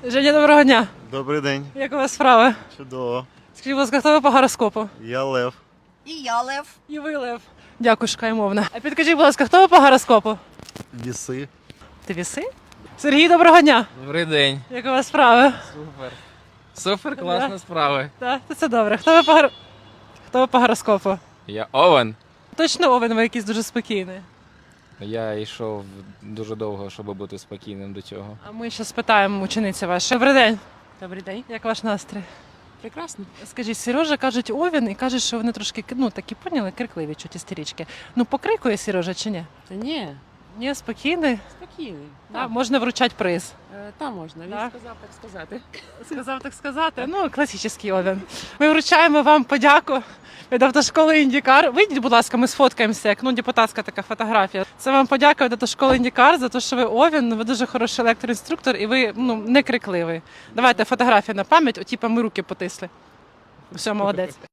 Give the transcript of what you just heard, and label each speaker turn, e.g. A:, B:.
A: Женя, доброго дня.
B: Добрий день.
A: Як у вас справи?
B: Чудово.
A: Скажіть, будь ласка, хто ви по гороскопу?
B: Я Лев.
C: І я Лев.
A: І ви, Лев. Дякую, шукаймовна. А підкажіть, будь ласка, хто ви по гороскопу?
B: Віси.
A: Ти віси? Сергій, доброго дня.
D: Добрий день.
A: Як у вас справи?
D: Супер. Супер, класна справа.
A: Так, це добре. Хто ви по гороскопу?
D: Я Овен.
A: Точно Овен, ви якийсь дуже спокійний.
D: Я йшов дуже довго, щоб бути спокійним до цього.
A: А ми ще спитаємо учениці вашої. Добрий день.
E: Добрий день.
A: Як ваш настрій?
E: Прекрасно.
A: Скажіть, Сережа кажуть Овен і кажуть, що вони трошки, такі поняли, крикливі чуть істерички. Покрикує Сережа чи ні?
E: Та ні,
A: Ні, спокійний.
E: спокійний.
A: Да, можна вручати приз.
E: Там можна, він
A: Так.
E: сказав так сказати.
A: Сказав так сказати. Класичний Овен. Ми вручаємо вам подяку від автошколи Індікар. Вийдіть, будь ласка, ми сфоткаємося, як депутатська така фотографія. Це вам подяка від автошколи Індікар за те, що ви Овен, ви дуже хороший електроінструктор і ви не крикливий. Давайте фотографію на пам'ять, ми руки потисли. Все, молодець.